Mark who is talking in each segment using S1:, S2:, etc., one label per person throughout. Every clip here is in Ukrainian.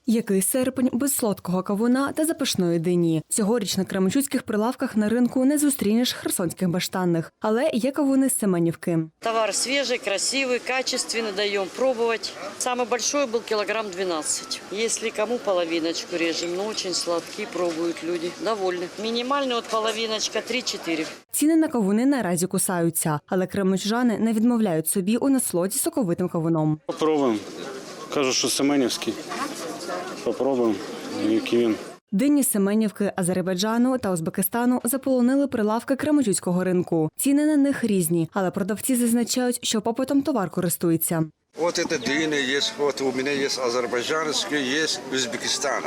S1: Який серпень без солодкого кавуна та запашної дині. Цьогоріч на кременчуцьких прилавках на ринку не зустрінеш херсонських баштанних, але є кавуни з Семенівки.
S2: Товар свежий, красивый, качественный, даем пробовать. Самый большой был килограмм 12. Если кому половиночку режем, но очень сладкие пробуют люди, довольны. Минимальный вот половиночка 3-4.
S1: Ціни на кавуни наразі кусаються, але кременчужани не відмовляють собі у насолоді соковитим кавуном.
S3: Попробуємо. Кажуть, що Семенівський. Попробуємо, який він.
S1: Дині з Семенівки, Азербайджану та Узбекистану заполонили прилавки кременчуцького ринку. Ціни на них різні, але продавці зазначають, що попитом товар користується.
S4: Вот это дыни есть, вот у меня есть азербайджанские, есть Узбекистана.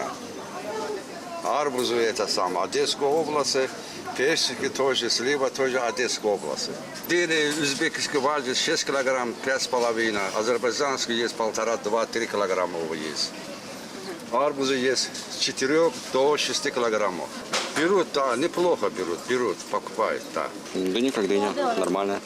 S4: Арбузы это самое, Одесская область, персики тоже, слива тоже Одесская область. Дыни узбекские важат 6 килограмм, 5,5, азербайджанские есть 1,5-2-3 килограмма есть. Арбузы есть с 4 до 6 килограммов. Берут, да, неплохо берут, покупают, да.
S5: Дыня как дыня, нормальная.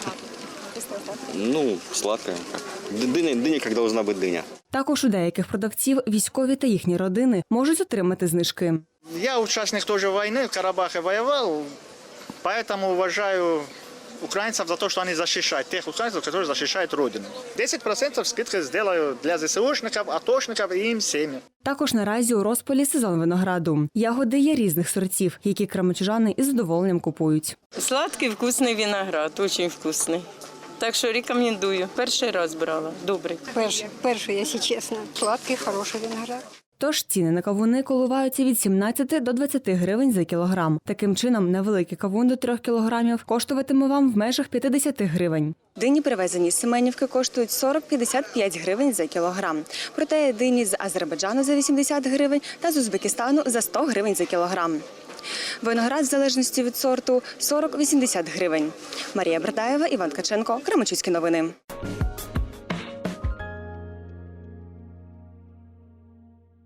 S5: Ну, сладкая. Дыня как должна быть дыня.
S1: Також у деяких продавців військові та їхні родини можуть отримати знижки.
S6: Я участник тоже войны, в Карабахе воевал, поэтому уважаю украинцев за то, что они защищают, тех украинцев, которые защищают Родину. 10% скидки сделаю для ЗСУшников, атошников и им семьи.
S1: Також наразі у розпалі сезон винограду. Ягоди є різних сортів, які кременчужани із задоволенням купують.
S7: Сладкий, вкусний виноград, дуже вкусний. Так що рекомендую. Перший раз брала. Добрий.
S8: Перший, якщо чесно. Сладкий, хороший виноград.
S1: Тож ціни на кавуни коливаються від 17 до 20 гривень за кілограм. Таким чином, невеликий кавун до 3 кілограмів коштуватиме вам в межах 50 гривень.
S9: Дині, привезені з Семенівки, коштують 40-55 гривень за кілограм. Проте дині з Азербайджану за 80 гривень та з Узбекистану за 100 гривень за кілограм. Виноград, в залежності від сорту, 40-80 гривень. Марія Бердаєва, Іван Ткаченко, Кременчуцькі новини.